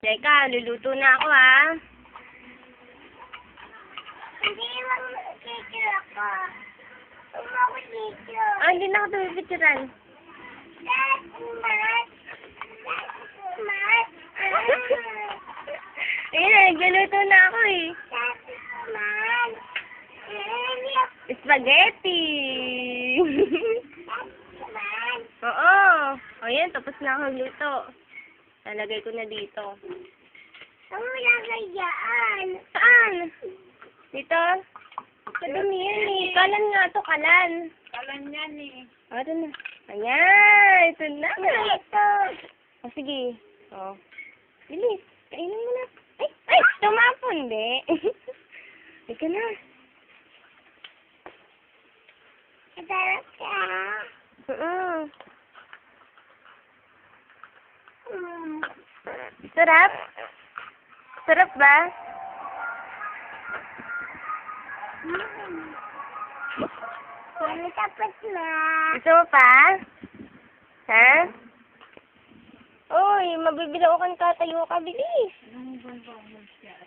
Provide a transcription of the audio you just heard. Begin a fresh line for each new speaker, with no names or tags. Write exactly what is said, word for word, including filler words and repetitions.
Teka, luluto na ako, ha?
Hindi lang picture ako. Huwag ako picture.
Ah, hindi na ako tumipicturan.
That's much. That's much.
Ayun na, nagluluto na ako, eh.
That's much.
Spaghetti!
That's much.
Oo. O yan, tapos na ako magluto. Nalagay ko na dito.
Ang lagay dyan.
Saan? Dito? Kadumi yan eh. Kalan nga to, kalan.
Kalan yan eh.
O, ito na. Ayan, ito na.
Ito.
O, sige. O. Bilis. Kainin mo na. Ay, ay, tumapon, hindi. Ika na.
Sarap ka.
Oo.
Mm.
Sarap? Sarap ba?
Mm. Tapos na.
Gusto mo pa? Ha? Uy, mabibilaw ka, tayo ka, bilis.